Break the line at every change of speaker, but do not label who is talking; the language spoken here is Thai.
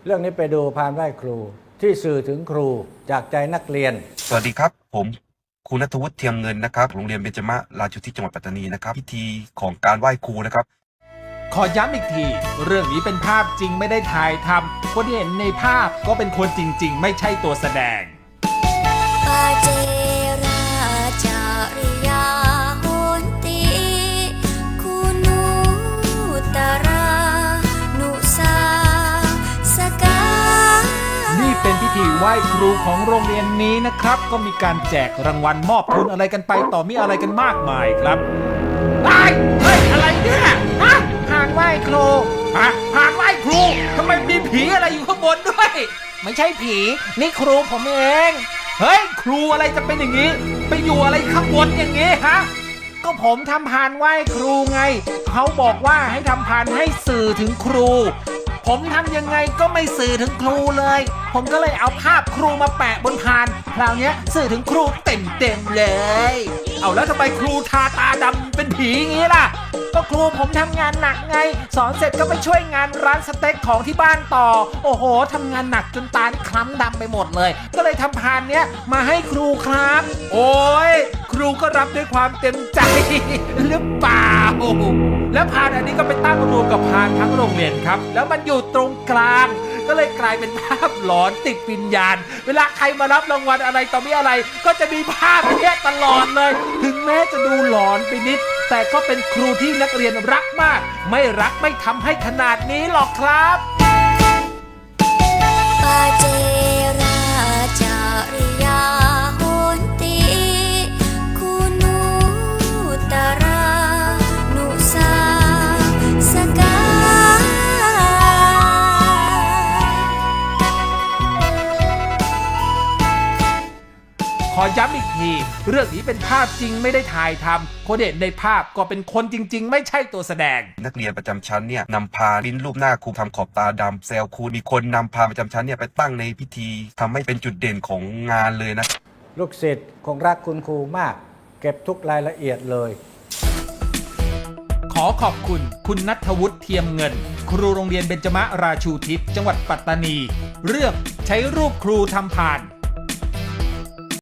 เรื่องนี้ไปดูพานไหว้ครูที่สื่อถึงครูจากใจนักเรียน
สวัสดีครับผมครูณัฐวุฒิเทียมเงินนะครับโรงเรียนเบญจมราชูทิศจังหวัดปัตตานีนะครับพิธีของการไหว้ครูนะครับ
ขอย้ำอีกที เรื่องนี้เป็นภาพจริงไม่ได้ถ่ายทำคนที่เห็นในภาพก็เป็นคนจริงๆ ไม่ใช่ตัวแสดง
ปาเจราจาริยาโหนติคุณูตรานุสาสกา
นี่เป็นพิธีไหว้ครูของโรงเรียนนี้นะครับ ก็มีการแจกรางวัลมอบทุนอะไรกันไปต่อมีอะไรกันมากมายครับเฮ้ยอะไรเนี่ยฮะพานไหว้ครูพานไหว้ครูทำไมมีผีอะไรอยู่ข้างบนด้วย ไม่ใช่ผี นี่ครูผมเองเฮ้ยครูอะไรจะเป็นอย่างนี้ ไปอยู่อะไรข้างบนอย่างนี้ฮะก็ผมทำพานไหว้ครูไงเขาบอกว่าให้ทำพานให้สื่อถึงครู ผมทำยังไงก็ไม่สื่อถึงครูเลย ผมก็เลยเอาภาพครูมาแปะบนพานคราวนี้สื่อถึงครูเต็มเลย เอาแล้วทำไมครูทาตาดำเป็นผีอย่างนี้ล่ะ ก็ครูผมทำงานหนักไง สอนเสร็จก็ไปช่วยงานร้านสเต็กของที่บ้านต่อ โอ้โหทำงานหนักจนตานี่คล้ำดำไปหมดเลย ก็เลยทำพานเนี้ยมาให้ครูครับ โอ้ยครูก็รับด้วยความเต็มใจ หรือเปล่า แล้วพานอันนี้ก็ไปตั้งรวมกับพานทั้งโรงเรียนครับ แล้วมันอยู่ตรงกลาง ก็เลยกลายเป็นภาพหลอนติดวิญญาณ เวลาใครมารับรางวัลอะไรต่อมีอะไร ก็จะมีภาพเนี้ยตลอดเลย ถึงแม้จะดูหลอนไปนิด แต่ก็เป็นครูที่นักเรียนรักมาก ไม่รักไม่ทำให้ขนาดนี้หรอกครับ
ปาเจราจาริยาโหนติคุณูตรานุสาสกา
ขอย้ำอีกที เรื่องนี้เป็นภาพจริงไม่ได้ถ่ายทำคนเห็นในภาพก็เป็นคนจริงๆ ไม่ใช่ตัวแสดง
นักเรียนประจำชั้นเนี่ยนำพานปริ้นรูปหน้าครูทำขอบตาดำแซวครูมีคนนำพานประจำชั้นเนี่ยไปตั้งในพิธีทำให้เป็นจุดเด่นของงานเลยนะ
ลูกศิษย์คงรักคุณครูมาก เก็บทุกรายละเอียดเลย
ขอขอบคุณคุณณัฐวุฒิเทียมเงิน ครูโรงเรียนเบญจมราชูทิศจังหวัดปัตตานี เรื่องใช้รูปครูทำพาน